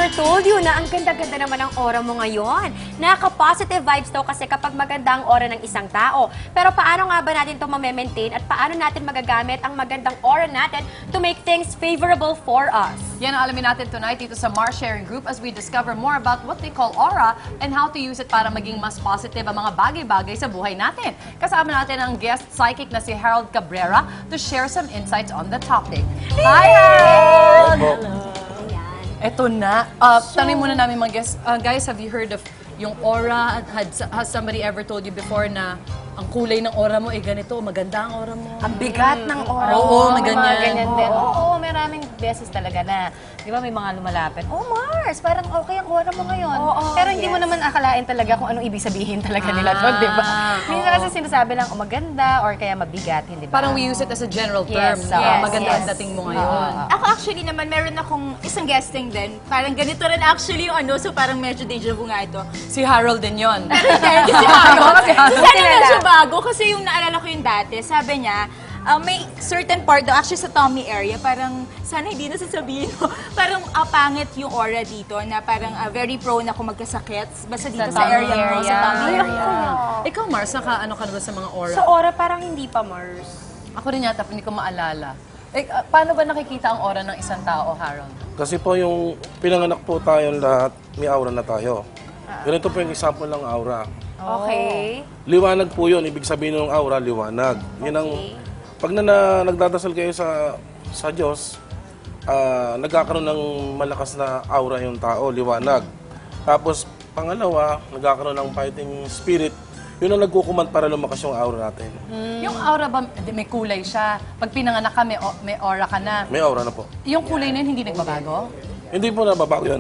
never told you na ang ganda-ganda naman ang aura mo ngayon. Nakaka-positive vibes daw kasi kapag maganda ang aura ng isang tao. Pero paano nga ba natin ito ma-maintain at paano natin magagamit ang magandang aura natin to make things favorable for us? Yan ang alamin natin tonight dito sa Mars Sharing Group as we discover more about what they call aura and how to use it para maging mas positive ang mga bagay-bagay sa buhay natin. Kasama natin ang guest psychic na si Harold Cabrera to share some insights on the topic. Hi, Harold! Hello. Eto na. Tanungin muna namin mga guests. Guys, have you heard of yung aura? Has somebody ever told you before na ang kulay ng aura mo ay ganito, maganda ang aura mo? Ang bigat ng aura. Oo, May ganyan. mga ganyan din. Oo, maraming beses talaga na, di ba may mga lumalapit, oh Mars, parang okay ang aura mo ngayon. Pero hindi mo naman akalain talaga kung anong ibig sabihin talaga nila doon, di ba? Minsan kasi sinasabi lang, oh maganda, or kaya mabigat, hindi ba? Parang we use it as a general term. Yes, na yes, maganda ang yes. dating mo ngayon. Ako actually naman, meron akong isang guesting din. Parang ganito rin actually yung ano, so parang medyo deja vu nga ito. Si Harold din yun. Hindi si Harold. Sana medyo bago kasi yung naalala ko yung dati, sabi niya, may certain part daw, actually sa tummy area, parang sana hindi na sasabihin mo, parang pangit yung aura dito na parang very prone ako magkasakit. Basta dito sa area mo, sa tummy area. Ikaw, Mars, ano ka na ba sa mga aura? Sa aura parang hindi pa, Mars. Ako rin yata, hindi ko maalala. Paano ba nakikita ang aura ng isang tao, Harold? Kasi po yung pinanganak po tayong lahat, may aura na tayo. Ganito po yung example ng aura. Okay. Liwanag po yun, ibig sabihin ng aura, liwanag. Yun ang, pag nagdadasal kayo sa Diyos, nagkakaroon ng malakas na aura yung tao, liwanag. Tapos, pangalawa, nagkakaroon ng fighting spirit, yun ang nagkukuman para lumakas yung aura natin. Yung aura ba, may kulay siya. Pag pinanganak ka, may aura ka na. May aura na po. Yung kulay na yun, hindi nagbabago? Hindi po nababago yun.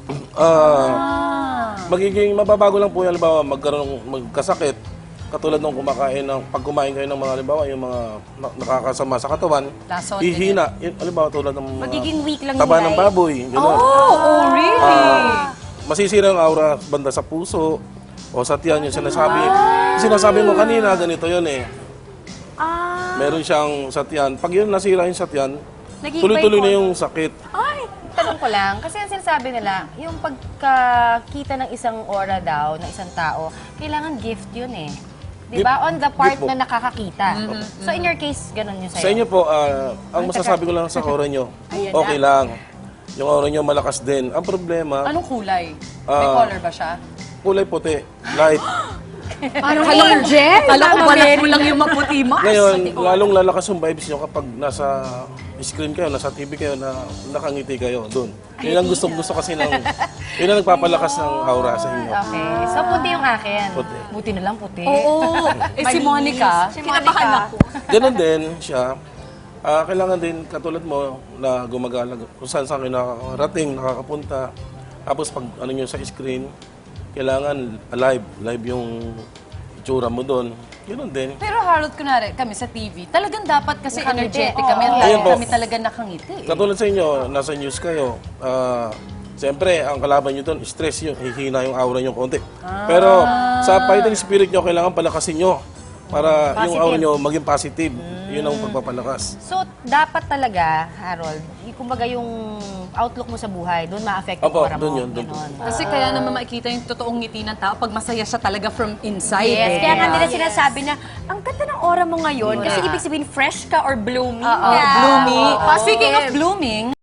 Magiging mababago lang po yan, halimbawa magkasakit, katulad ng pag kumain kayo ng mga, halimbawa, yung mga nakakasama sa katawan, Lasot, ihina, halimbawa tulad ng mga Magiging weak lang taba yung ng light. baboy, gano'n. Oh, really? Masisira ang aura banda sa puso o sa tiyan, yung sinasabi mo kanina, ganito yun eh. Meron siyang sa tiyan. Pag yun nasira yung sa tiyan, Naging tuloy-tuloy na bipolar. yung sakit. Tanong ko lang, kasi ang sinasabi nila, yung pagkakita ng isang aura daw, ng isang tao, kailangan gift yun eh. Di ba? On the part Gift po. na nakakakita. So in your case, ganun yun sa'yo? Sa inyo po, ang masasabi ko lang sa aura nyo, okay lang. Yung aura nyo malakas din. Ang problema, Anong kulay? May color ba siya? kulay puti, light. Anong angel? Alam ko balat mo lang yung maputi, Mars. Ngayon, lalong lalakas yung vibes nyo kapag nasa screen kayo, nasa TV kayo, na nakangiti kayo doon. Yun ang gusto kasi yun ang nagpapalakas ng aura sa inyo. Okay. So puti yung akin. Puti. Buti na lang puti. Oo. Si Monica, Kinabahan ako. Ganon din siya. Kailangan din, katulad mo, na gumagala kung saan kayo nakakarating, nakakapunta. Tapos pag ano nyo sa screen, kailangan live yung itsura mo doon. Ganon din. pero Harold, kunwari, kami sa TV, talagang dapat kasi Nakangiti. energetic kami. Ayun po. Kami talaga nakangiti. Katulad sa inyo, nasa news kayo, siyempre, ang kalaban nyo doon, stress yun, hihina yung aura nyo konti. Pero sa fighting spirit nyo, kailangan palakasin nyo para yung aura nyo maging positive. Yun ang pagpapalakas. So dapat talaga, Harold, kumbaga yung outlook mo sa buhay, doon ma-affect yung Opo, aura mo. doon yun, doon po. Ganon. Kasi kaya naman makikita yung totoong ngiti ng tao pag masaya siya talaga from inside. Yes, eh. kaya nga nila sinasabi na, ang ganda ng aura mo ngayon kasi ibig sabihin fresh ka or blooming. Oo, ka. blooming. Oo. Speaking of blooming,